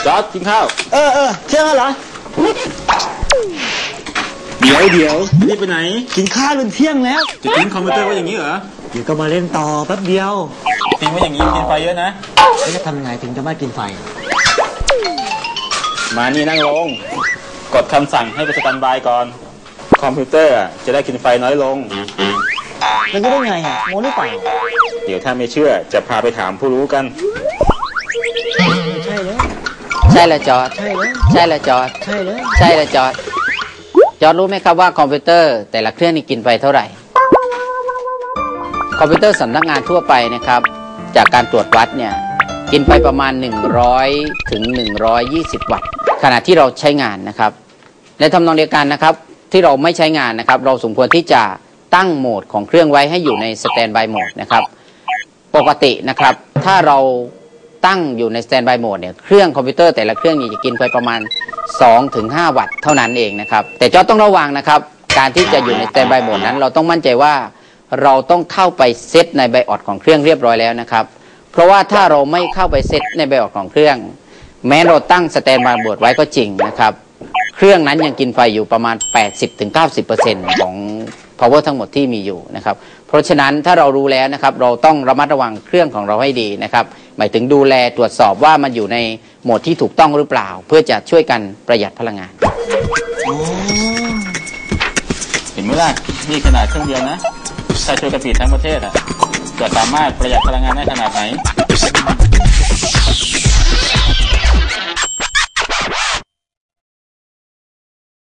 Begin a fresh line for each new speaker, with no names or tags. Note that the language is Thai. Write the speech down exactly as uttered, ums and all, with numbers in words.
จอร์จกินข้าว
เออเออเที่ยงแล้วเหรอ
เดี๋ยวเดี๋ยวนี่ไปไหน
กินข้าวจนเที่ยงแล้ว
จะทิ้งคอมพิวเตอร์ไว้อย่างนี้เหรอ
เดี๋ยวก็มาเล่นต่อแป๊บเดียว
ทิ้งไว้อย่างนี้กินไฟเยอะนะ
แล้วจะทำยังไงถึงจะไม่กินไฟ
มานี่นั่งลงกดคำสั่งให้ไปสแตนบายก่อนคอมพิวเตอร์จะได้กินไฟน้อยลง
มันจะได้ไงอ่ะโมหรือเปล่า
เดี๋ยวถ้าไม่เชื่อจะพาไปถามผู้รู้กัน
ใช่เลย
ใช่เลยจอร์จ
ใช่เลย
ใช่เลยจอร์จ
ใช่เลย
ใช่เลยจอร์จจอร์จรู้ไหมครับว่าคอมพิวเตอร์แต่ละเครื่องนี่กินไฟเท่าไหร่คอมพิวเตอร์สำนักงานทั่วไปนะครับจากการตรวจวัดเนี่ยกินไฟประมาณหนึ่งร้อยถึงหนึ่งร้อยยี่สิบวัตต์ขณะที่เราใช้งานนะครับในทำนองเดียวกันนะครับที่เราไม่ใช้งานนะครับเราสมควรที่จะตั้งโหมดของเครื่องไว้ให้อยู่ในสแตนด์บายโหมดนะครับปกตินะครับถ้าเราตั้งอยู่ในสแตนด์บายโหมดเนี่ยเครื่องคอมพิวเตอร์แต่ละเครื่องจะกินไฟประมาณ สองถึงห้า วัตต์เท่านั้นเองนะครับแต่จอร์จต้องระวังนะครับการที่จะอยู่ในสแตนด์บายโหมดนั้นเราต้องมั่นใจว่าเราต้องเข้าไปเซตในไบออดของเครื่องเรียบร้อยแล้วนะครับเพราะว่าถ้าเราไม่เข้าไปเซตในไบออดของเครื่องแม้เราตั้งสแตนด์บายโหมดไว้ก็จริงนะครับเครื่องนั้นยังกินไฟอยู่ประมาณ แปดสิบถึงเก้าสิบเปอร์เซ็นต์ ของ power ทั้งหมดที่มีอยู่นะครับเพราะฉะนั้นถ้าเรารู้แล้วนะครับเราต้องระมัดระวังเครื่องของเราให้ดีนะครับหมายถึงดูแลตรวจสอบว่ามันอยู่ในโหมดที่ถูกต้องหรือเปล่าเพื่อจะช่วยกันประหยัดพลังงาน
เห็นไหมล่ะนี่ขนาดเครื่องเดียวนะถ้าช่วยกันผลิตทั้งประเทศอ่ะจะสามารถประหยัดพลังงานได้ขนาดไหน